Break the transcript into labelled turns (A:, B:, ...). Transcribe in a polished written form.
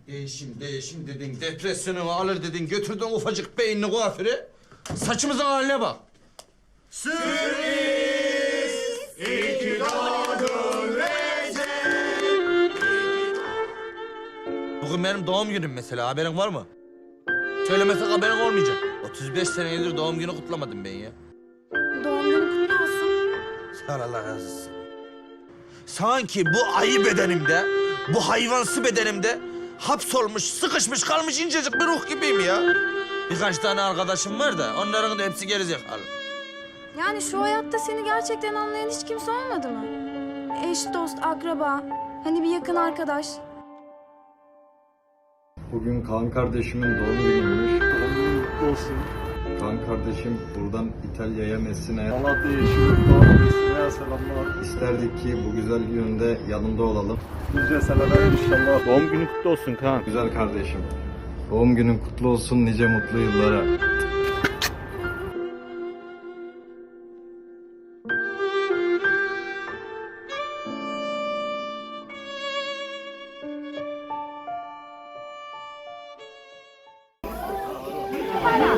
A: Değişim dedin, depresyonu alır dedin, götürdün ufacık beyinli kuaföre. Saçımızın haline bak. Bugün benim doğum günüm mesela, haberin var mı? Söylemesek haberin olmayacak. 35 senedir doğum günü kutlamadım ben ya.
B: Doğum günü kutlu olsun.
A: Sağ ol, Allah razı olsun. Sanki bu ayı bedenimde, bu hayvansı bedenimde hapsolmuş, sıkışmış kalmış incecik bir ruh gibiyim ya. Birkaç tane arkadaşım var da onların da hepsi gerizekalı.
B: Yani şu hayatta seni gerçekten anlayan hiç kimse olmadı mı? Eş, dost, akraba, hani bir yakın arkadaş.
C: Bugün Kaan kardeşimin doğum günüymüş.
D: Doğum günün kutlu olsun.
C: Kaan kardeşim buradan İtalya'ya, Messine'ye
D: Malatya Yeşillik Doğum selamlar.
C: isterdik ki bu güzel gününde yanında olalım.
D: Nice seneler inşallah. Doğum günün kutlu olsun Kaan.
C: Güzel kardeşim. Doğum günün kutlu olsun nice mutlu yıllara.